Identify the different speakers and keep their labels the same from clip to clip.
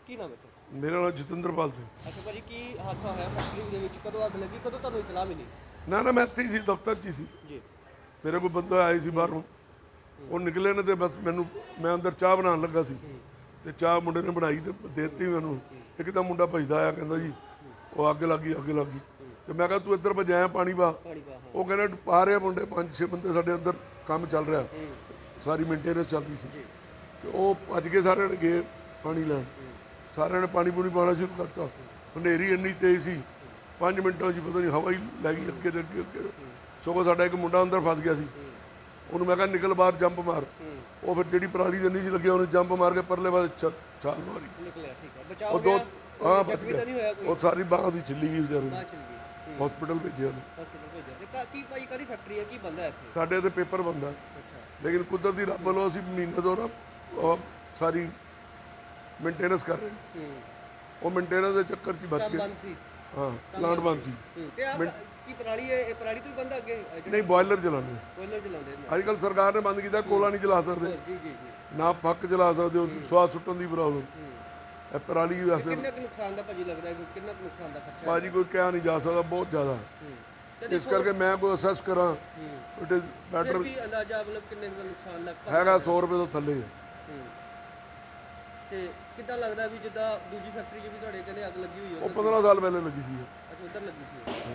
Speaker 1: ਕੀ ਨਾਮ ਹੈ ਸਰ?
Speaker 2: ਮੇਰਾ ਨਾਮ ਜਤਿੰਦਰਪਾਲ ਸਿੰਘ।
Speaker 1: ਅੱਛਾ ਭਾਜੀ, ਕੀ ਹਾਦਸਾ ਹੋਇਆ ਫੈਕਟਰੀ ਦੇ ਵਿੱਚ? ਕਦੋਂ ਅੱਗ ਲੱਗੀ, ਕਦੋਂ ਤੁਹਾਨੂੰ ਇਤਲਾਹ ਮਿਲੀ?
Speaker 2: ਨਾ ਨਾ, ਮੈਂ ਇੱਥੇ ਹੀ ਸੀ, ਦਫ਼ਤਰ 'ਚ ਹੀ ਸੀ।
Speaker 1: ਜੀ।
Speaker 2: ਮੇਰੇ ਕੋਲ ਬੰਦਾ ਆਏ ਸੀ ਬਾਹਰੋਂ, ਉਹ ਨਿਕਲੇ ਨੇ ਤੇ ਬਸ ਮੈਨੂੰ, ਮੈਂ ਅੰਦਰ ਚਾਹ ਬਣਾਉਣ ਲੱਗਾ ਸੀ ਤੇ ਚਾਹ ਮੁੰਡੇ ਨੇ ਬਣਾਈ ਤੇ ਦੇ ਦਿੱਤੀ ਮੈਨੂੰ। ਇੱਕ ਤਾਂ ਮੁੰਡਾ ਭੱਜਦਾ ਆਇਆ, ਕਹਿੰਦਾ ਜੀ ਉਹ ਅੱਗ ਲੱਗੀ, ਅੱਗ ਲੱਗੀ। ਤੇ ਮੈਂ ਕਿਹਾ ਤੂੰ ਇੱਧਰ ਭਜਾਇਆ ਪਾਣੀ ਪਾ। ਉਹ ਕਹਿੰਦੇ ਪਾ ਰਹੇ ਮੁੰਡੇ, 5-6 ਬੰਦੇ ਸਾਡੇ ਅੰਦਰ ਕੰਮ ਚੱਲ ਰਿਹਾ, ਸਾਰੀ ਮੇਨਟੇਨੈਂਸ ਚੱਲ ਰਹੀ ਸੀ। ਤੇ ਉਹ ਭੱਜ ਕੇ ਸਾਰਿਆਂ ਨੇ ਗਏ ਪਾਣੀ ਲੈਣ, ਸਾਰਿਆਂ ਨੇ ਪਾਣੀ ਪੂਣੀ ਪਾਉਣਾ ਸ਼ੁਰੂ ਕਰਤਾ। ਹਨੇਰੀ ਇੰਨੀ ਤੇਜ਼ ਸੀ, 5 ਮਿੰਟਾਂ 'ਚ ਹੀ ਪਤਾ ਨਹੀਂ ਹਵਾ ਹੀ ਲੈ ਗਈ ਅੱਗੇ ਤੇ ਅੱਗੇ। ਸਗੋਂ ਸਾਡਾ ਇੱਕ ਮੁੰਡਾ ਅੰਦਰ ਫਸ ਗਿਆ ਸੀ, ਉਹਨੂੰ ਮੈਂ ਕਿਹਾ ਨਿਕਲ ਬਾਹਰ, ਜੰਪ ਮਾਰ। ਉਹ ਫਿਰ ਜਿਹੜੀ ਪਰਾਲੀ ਦੇ ਨਹੀਂ ਸੀ ਲੱਗਿਆ, ਉਹਨੇ ਜੰਪ ਮਾਰ ਕੇ ਪਰਲੇ ਪਾਸੇ ਛਾਲ ਮਾਰੀ।
Speaker 1: ਨਿਕਲਿਆ, ਠੀਕ ਹੈ, ਬਚਾਅ
Speaker 2: ਉਹ
Speaker 1: ਹੋ ਗਿਆ।
Speaker 2: ਹਾਂ
Speaker 1: ਕੋਈ
Speaker 2: ਬਚ
Speaker 1: ਜ਼ਖਮੀ ਤਾਂ ਨਹੀਂ ਹੋਇਆ
Speaker 2: ਗਿਆ।
Speaker 1: ਕੋਈ?
Speaker 2: ਉਹ ਸਾਰੀ ਬਾਂਹ ਦੀ ਛਿੱਲੀ ਗਈ ਵਿਚਾਰੇ
Speaker 1: ਬਾਹਰ
Speaker 2: ਦੀ,
Speaker 1: ਚਲੀ ਗਈ।
Speaker 2: ਹਸਪੀਟਲ ਭੇਜਿਆ ਉਹਨੂੰ।
Speaker 1: ਹਸਪੀਟਲ ਭੇਜਿਆ ਤੇ ਕੀ ਭਾਈ ਕਾਹਦੀ ਫੈਕਟਰੀ ਹੈ, ਕੀ ਬੰਦਾ ਇੱਥੇ?
Speaker 2: ਸਾਡੇ ਤੇ ਪੇਪਰ ਬੰਦਾ,
Speaker 1: ਅੱਛਾ।
Speaker 2: ਲੇਕਿਨ ਕੁਦਰਤੀ ਰੱਬ ਵੱਲੋਂ ਅਸੀਂ ਮਹੀਨੇ ਤੋਂ ਨਾ ਉਹ ਸਾਰੀ ਮੇਨਟੇਨੈਂਸ ਕਰ ਰਹੇ। ਉਹ ਮੇਨਟੇਨੈਂਸ ਦੇ ਚੱਕਰ 'ਚ ਹੀ ਬਚ
Speaker 1: ਕੰਮ
Speaker 2: ਗਏ।
Speaker 1: ਬੰਦ ਸੀ।
Speaker 2: ਹਾਂ, ਪਲਾਂਟ ਬੰਦ ਸੀ।
Speaker 1: ਤੇ ਆ ਕੀ ਪਰਾਲੀ ਹੈ, ਇਹ ਪਰਾਲੀ ਤੋਂ ਹੀ ਬੰਦਾ ਅੱਗੇ
Speaker 2: ਨਹੀਂ, ਬੋਇਲਰ ਚਲਾਉਂਦੇ।
Speaker 1: ਬੋਇਲਰ ਚਲਾਉਂਦੇ ਨੇ?
Speaker 2: ਅੱਜ ਕੱਲ੍ਹ ਸਰਕਾਰ ਨੇ ਬੰਦ ਕੀਤਾ, ਕੋਲਾ ਨਹੀਂ ਚਲਾ ਸਕਦੇ,
Speaker 1: ਜੀ ਜੀ ਜੀ।
Speaker 2: ਨਾ ਪੱਕ ਚਲਾ ਸਕਦੇ, ਉਹ ਸਵਾਦ ਸੁੱਟਣ ਦੀ ਪ੍ਰੋਬਲਮ। ਇਹ ਪਰਾਲੀ ਵੈਸੇ
Speaker 1: ਕਿੰਨਾ ਕੁ ਨੁਕਸਾਨ ਦਾ ਭਾਜੀ ਲੱਗਦਾ ਹੈ, ਕਿੰਨਾ ਕੁ ਨੁਕਸਾਨ ਦਾ ਖਰਚਾ?
Speaker 2: ਭਾਜੀ ਕੋਈ ਕਹਿ ਨਹੀਂ ਜਾ ਸਕਦਾ, ਬਹੁਤ ਜ਼ਿਆਦਾ। ਇਸ ਕਰਕੇ ਮੈਂ ਕੋਈ ਅਸੈਸ ਕਰਾਂ, ਇਟ ਇਜ਼ ਬੈਟਰ।
Speaker 1: ਵੀ ਅੰਦਾਜ਼ਾ ਮਤਲਬ ਕਿੰਨੇ ਦਾ ਨੁਕਸਾਨ ਲੱਗ
Speaker 2: ਹੈਗਾ 100 ਰੁਪਏ ਤੋਂ ਥੱਲੇ ਹੈ।
Speaker 1: ਤੇ ਕਿੱਦਾਂ ਲੱਗਦਾ ਵੀ ਜਿੱਦਾਂ ਦੂਜੀ ਫੈਕਟਰੀ 'ਚ ਵੀ ਤੁਹਾਡੇ ਕਹਿੰਦੇ ਅੱਗ ਲੱਗੀ ਹੋਈ ਹੈ?
Speaker 2: ਉਹ 15 ਸਾਲ ਪਹਿਲੇ ਲੱਗੀ ਸੀ।
Speaker 1: ਅੱਛਾ, ਉਧਰ ਲੱਗੀ ਸੀ।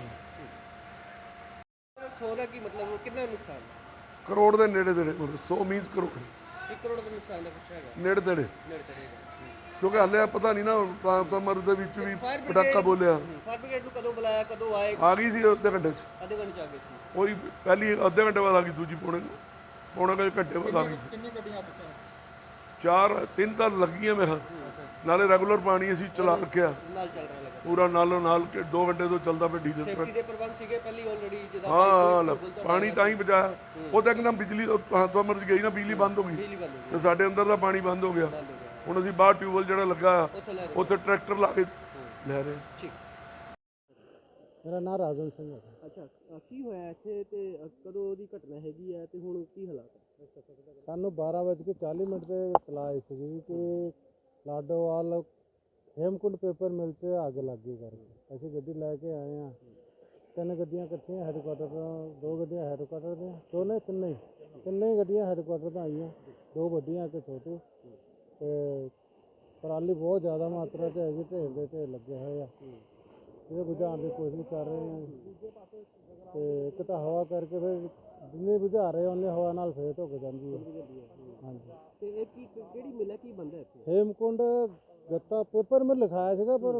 Speaker 1: 100 ਦਾ ਕੀ ਮਤਲਬ, ਕਿੰਨਾ ਨੁਕਸਾਨ?
Speaker 2: ਕਰੋੜ ਦੇ ਨੇੜੇ ਤੇੜੇ, ਮਤਲਬ 100 ਮੀਨਸ ਕਰੋੜ
Speaker 1: 1 ਕਰੋੜ ਦਾ ਨੁਕਸਾਨ ਦਾ ਕੁਛ ਹੈਗਾ
Speaker 2: ਨੇੜੇ ਤੇੜੇ।
Speaker 1: ਨੇੜੇ ਤੇੜੇ ਦਾ।
Speaker 2: ਕਿਉਂਕਿ ਹਾਲੇ ਪਤਾ ਨਹੀਂ ਨਾ, ਟਰਾਂਸਫਾਰਮਰ ਦੇ ਵਿੱਚ ਵੀ
Speaker 1: ਫਾਇਰ
Speaker 2: ਪਟਾਕਾ ਬੋਲਿਆ।
Speaker 1: ਫਾਇਰ ਬ੍ਰਿਗੇਡ ਨੂੰ ਕਦੋਂ ਬੁਲਾਇਆ, ਕਦੋਂ ਆਏ?
Speaker 2: ਆ ਗਈ ਸੀ ਅੱਧੇ ਘੰਟੇ 'ਚ।
Speaker 1: ਅੱਧੇ ਘੰਟੇ 'ਚ ਆ ਗਏ ਸੀ।
Speaker 2: ਉਹੀ ਪਹਿਲੀ ਅੱਧੇ ਘੰਟੇ ਬਾਅਦ ਆ ਗਈ, ਦੂਜੀ ਪੌਣੇ ਘੰਟੇ ਬਾਅਦ ਆ ਗਈ ਸੀ।
Speaker 3: ਕਿੰਨੀ ਗੱਡੀਆਂ ਆ ਚੁੱਕੀਆਂ?
Speaker 2: 3 ਤਾਂ ਲੱਗੀਆਂ ਮੇਰੇ ਖਿਆਲ। ਨਾਲੇ ਰੈਗੂਲਰ ਪਾਣੀ ਅਸੀਂ ਚਲਾ ਰੱਖਿਆ
Speaker 1: ਨਾਲ ਚੱਲ ਰਿਹਾ ਲੱਗਾ।
Speaker 2: ਪੂਰਾ, ਨਾਲੋਂ ਨਾਲ ਕਿ 2 ਘੰਟੇ ਤੋਂ ਚੱਲਦਾ ਪਿਆ ਡੀਜ਼ਲ
Speaker 1: ਸੇਫਟੀ ਦੇ ਪ੍ਰਬੰਧ ਸੀਗੇ ਪਹਿਲੀ ਆਲਰੇਡੀ ਜਿੱਦਾਂ?
Speaker 2: ਹਾਂ, ਪਾਣੀ ਤਾਂ ਹੀ ਬਚਾਇਆ। ਉਹ ਤਾਂ ਇੱਕਦਮ ਬਿਜਲੀ ਟਰਾਂਸਫਾਰਮਰ 'ਚ ਗਈ ਨਾ, ਬਿਜਲੀ ਬੰਦ ਹੋ ਗਈ
Speaker 1: ਬਿਜਲੀ ਬੰਦ ਹੋ ਗਈ।
Speaker 2: ਤੇ ਸਾਡੇ ਅੰਦਰ ਦਾ ਪਾਣੀ ਬੰਦ ਹੋ ਗਿਆ। ਹੁਣ ਅਸੀਂ ਬਾਹਰ ਟਿਊਬਵੈਲ ਜਿਹੜਾ ਲੱਗਾ ਆ,
Speaker 1: ਉੱਥੋਂ ਲੈ ਰਹੇ।
Speaker 2: ਉੱਥੇ ਟਰੈਕਟਰ ਲਾ ਕੇ ਲੈ ਰਹੇ।
Speaker 1: ਠੀਕ।
Speaker 3: ਮੇਰਾ ਨਾਮ ਰਾਜਨ ਸਿੰਘ ਹੈ।
Speaker 1: ਅੱਛਾ, ਕੀ ਹੋਇਆ ਇੱਥੇ ਤੇ ਕਦੋਂ ਦੀ ਘਟਨਾ ਹੈਗੀ ਹੈ ਤੇ ਹੁਣ ਕੀ ਹਾਲਾਤ ਹੈ?
Speaker 3: ਸਾਨੂੰ 12:40 ਤੇ ਇਤਲਾਹ ਆਈ ਸੀ ਕਿ ਲਾਡੋਵਾਲ ਹੇਮਕੁੰਡ ਪੇਪਰ ਮਿਲ 'ਚ ਅੱਗ ਲੱਗੀ ਕਰਕੇ। ਅਸੀਂ ਗੱਡੀ ਲੈ ਕੇ ਆਏ ਹਾਂ। 3 ਗੱਡੀਆਂ ਇਕੱਠੀਆਂ ਹੈਡਕੁਆਟਰ ਤੋਂ, 2 ਗੱਡੀਆਂ ਹੈਡਕੁਆਟਰ ਦੀਆਂ, ਤਿੰਨੇ ਹੀ ਗੱਡੀਆਂ ਹੈਡਕੁਆਟਰ ਤੋਂ ਆਈਆਂ, 2 ਵੱਡੀਆਂ ਇੱਕ ਛੋਟੀ। ਤੇ ਪਰਾਲੀ ਬਹੁਤ ਜ਼ਿਆਦਾ ਮਾਤਰਾ 'ਚ ਹੈਗੀ, ਢੇਰ ਦੇ ਢੇਰ ਲੱਗੇ ਹੋਏ ਆ। ਇਹ ਬੁਝਾਉਣ ਦੀ ਕੋਸ਼ਿਸ਼ ਕਰ ਰਹੇ ਹਾਂ। ਤੇ ਇੱਕ ਤਾਂ ਹਵਾ ਕਰਕੇ ਫਿਰ ਜਿੰਨੀ ਬੁਝਾ ਰਹੇ ਉਹਨੇ ਹਵਾ ਨਾਲ ਫੇਰ ਧੁੱਕ ਜਾਂਦੀ ਹੈ। ਹਾਂਜੀ।
Speaker 1: ਤੇ ਇਹ ਕੀ ਕਿਹੜੀ ਮਿਲ ਹੈ, ਕੀ ਬੰਦਾ ਇੱਥੇ?
Speaker 3: ਹੇਮਕੁੰਡ ਗੱਤਾ ਪੇਪਰ ਮਿਲ ਲਿਖਾਇਆ ਸੀਗਾ, ਪਰ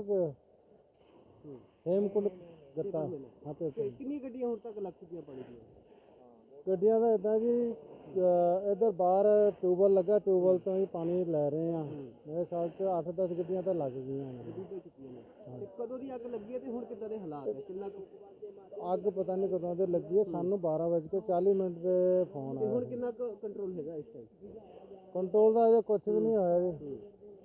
Speaker 3: ਹੇਮਕੁੰਡ ਗੱਤਾ। ਹਾਂ, ਪੇਪਰ।
Speaker 1: ਕਿੰਨੀ ਗੱਡੀਆਂ ਹੁਣ ਤੱਕ ਲੱਗ ਚੁੱਕੀਆਂ ਪਾਣੀ ਦੀਆਂ?
Speaker 3: ਗੱਡੀਆਂ ਦਾ ਇੱਦਾਂ ਜੀ, ਇੱਧਰ ਬਾਹਰ ਟਿਊਬਵੈਲ ਲੱਗਾ, ਟਿਊਬਵੈਲ ਤੋਂ ਹੀ ਪਾਣੀ ਲੈ ਰਹੇ ਆ। ਮੇਰੇ ਖਿਆਲ 'ਚ 8-10 ਗੱਡੀਆਂ ਤਾਂ ਲੱਗ ਗਈਆਂ ਨੇ।
Speaker 1: ਤੇ ਕਦੋਂ ਦੀ ਅੱਗ ਲੱਗੀ ਹੈ ਤੇ ਹੁਣ ਕਿੱਦਾਂ ਦੇ ਹਾਲਾਤ ਹੈ, ਕਿੰਨਾ
Speaker 3: ਅੱਗ ਪਤਾ ਨਹੀਂ ਕਦੋਂ ਦੀ ਲੱਗੀ ਹੈ। ਸਾਨੂੰ 12:40 ਤੇ ਫੋਨ ਆਇਆ।
Speaker 1: ਹੁਣ ਕਿੰਨਾ ਕੰਟਰੋਲ ਹੈਗਾ ਇਸ ਟਾਈਮ?
Speaker 3: ਕੰਟਰੋਲ ਦਾ ਅਜੇ ਕੁਛ ਵੀ ਨਹੀਂ ਹੋਇਆ ਜੀ।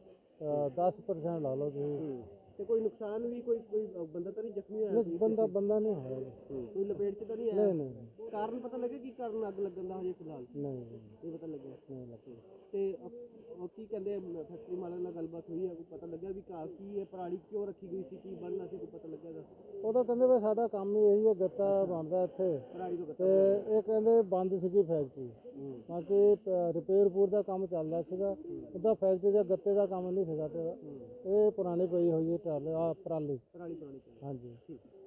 Speaker 3: 10% ਲਾ ਲਓ ਤੁਸੀਂ।
Speaker 1: ਤੇ ਕੋਈ ਨੁਕਸਾਨ ਵੀ, ਕੋਈ ਬੰਦਾ ਤਾਂ ਨਹੀਂ ਜ਼ਖਮੀ ਹੋਇਆ?
Speaker 3: ਨਹੀਂ, ਬੰਦਾ ਨਹੀਂ ਹੋਇਆ ਜੀ।
Speaker 1: ਕੋਈ ਲਪੇਟ 'ਚ ਤਾਂ ਨਹੀਂ ਆਇਆ?
Speaker 3: ਨਹੀਂ।
Speaker 1: ਕਾਰਨ ਪਤਾ ਲੱਗਾ ਕੀ ਕਾਰਨ ਅੱਗ ਲੱਗਣ ਦਾ ਹਜੇ ਫਿਲਹਾਲ?
Speaker 3: ਨਹੀਂ
Speaker 1: ਇਹ ਪਤਾ ਲੱਗਿਆ
Speaker 3: ਨਹੀਂ ਲੱਗੀ।
Speaker 1: ਤੇ ਉਹ ਕੀ ਕਹਿੰਦੇ, ਫੈਕਟਰੀ ਮਾਲਕ ਨਾਲ ਗੱਲਬਾਤ ਹੋਈ ਹੈ, ਕੋਈ ਪਤਾ ਲੱਗਿਆ ਵੀ ਕੀ ਹੈ, ਪਰਾਲੀ ਕਿਉਂ ਰੱਖੀ ਗਈ ਸੀ, ਕੀ ਬਣਨਾ ਸੀ, ਕੋਈ ਪਤਾ ਲੱਗਿਆ?
Speaker 3: ਉਹ ਤਾਂ ਕਹਿੰਦੇ ਵੀ ਸਾਡਾ ਕੰਮ ਹੀ ਇਹੀ ਹੈ, ਗੱਤਾ ਬਣਦਾ ਇੱਥੇ।
Speaker 1: ਪਰਾਲੀ ਤੋਂ
Speaker 3: ਤੇ ਇਹ ਕਹਿੰਦੇ ਬੰਦ ਸੀਗੀ ਫੈਕਟਰੀ, ਬਾਕੀ ਰਿਪੇਅਰ ਦਾ ਕੰਮ ਚੱਲਦਾ ਸੀਗਾ। ਉਹਦਾ ਫੈਕਟਰੀ ਦਾ ਗੱਤੇ ਦਾ ਕੰਮ ਨਹੀਂ ਸੀਗਾ। ਤੇ ਇਹ ਪੁਰਾਣੀ ਪਈ ਹੋਈ ਹੈ ਪਰਾਲੀ।
Speaker 1: ਪੁਰਾਣੀ।
Speaker 3: ਹਾਂਜੀ।